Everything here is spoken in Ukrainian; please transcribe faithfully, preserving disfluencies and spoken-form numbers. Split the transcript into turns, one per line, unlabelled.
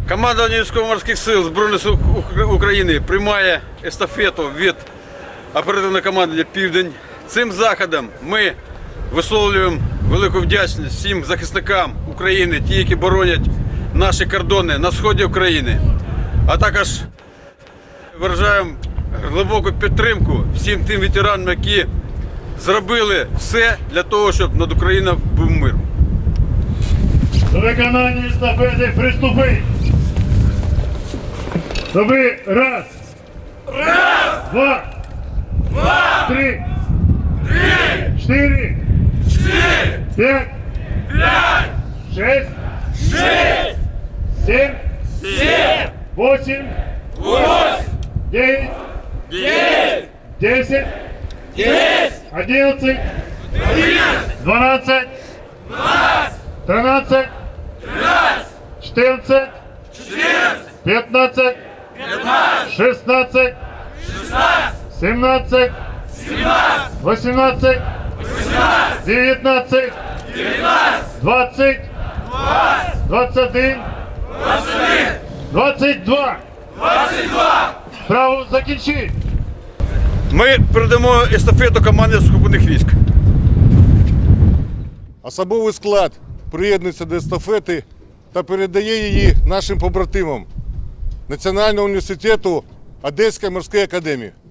Командування військово-морських сил Збройних сил України приймає естафету від оперативного командування «Південь». Цим заходом ми висловлюємо велику вдячність всім захисникам України, ті, які боронять наші кордони на сході України, а також виражаємо глибоку підтримку всім тим ветеранам, які зробили все для того, щоб над Україною був мир.
До виконання естафети приступи. Тобі раз. Раз. Два. Два. Три. Три. Чотири. Чотири. П'ять. П'ять. Шесть. Шесть. Сім. Сім. Восемь. Восемь. Дев'ять. Дев'ять. Десять. Десять. Одинадцять. Одинадцять. Дванадцять. Дванадцять. Тринадцять. Тринадцять. Чотирнадцять. Чотирнадцять. П'ятнадцять. П'ятнадцять. Шістнадцять. Шістнадцять. Сімнадцять. Сімнадцять. Вісімнадцять. Вісімнадцять. Дев'ятнадцять. Дев'ятнадцять. Двадцять. Двадцять. Двадцять один. Двадцять один. Двадцять два. Двадцять два. Справу закінчи.
Ми передамо естафету команді сухопутних військ.
Особовий склад приєднується до естафети та передає її нашим побратимам Національного університету Одеської морської академії.